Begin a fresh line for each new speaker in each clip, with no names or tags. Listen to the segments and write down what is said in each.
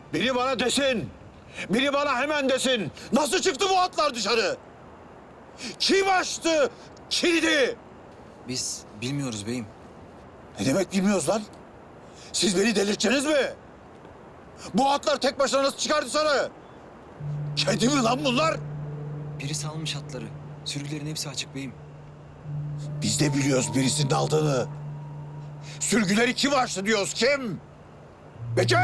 Biri bana desin. Biri bana hemen desin. Nasıl çıktı bu atlar dışarı? Kim açtı kilidi?
Biz bilmiyoruz beyim.
Ne demek bilmiyoruz lan? Siz beni delirteceksiniz mi? Bu atlar tek başına nasıl çıkar dışarı? Kedi mi lan bunlar?
Biri salmış atları. Sürgülerin hepsi açık beyim.
Biz de biliyoruz birisinin aldığını. Sürgüleri kim açtı diyoruz, kim? Bekir!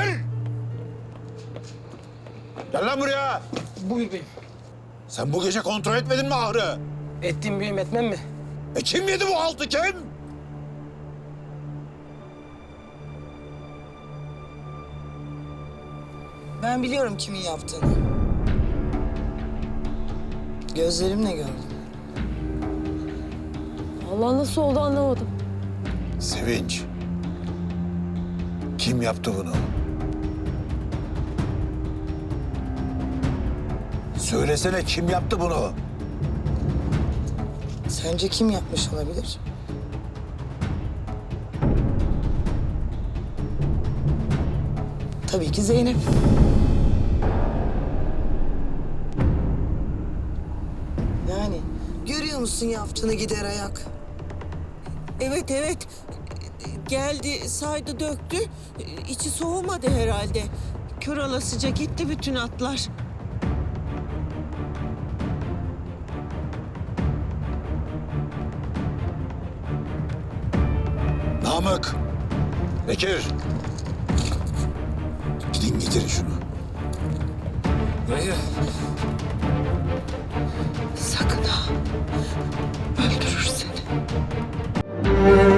Gel lan buraya.
Buyur beyim.
Sen bu gece kontrol etmedin mi ahırı?
Ettim beyim, etmem mi?
Kim yedi bu haltı, kim?
Ben biliyorum kimin yaptığını. Gözlerimle gördüm.
Allah nasıl oldu anlamadım.
Sevinç. Kim yaptı bunu? Söylesene, kim yaptı bunu?
Sence kim yapmış olabilir? Tabii ki Zeynep. Yani görüyor musun yaptığını gider ayak?
Evet evet. Geldi, saydı, döktü. İçi soğumadı herhalde. Kör olasıca gitti bütün atlar.
Namık. Bekir. Gidin getirin şunu.
Dayı.
Sakın ha. Öldürür seni.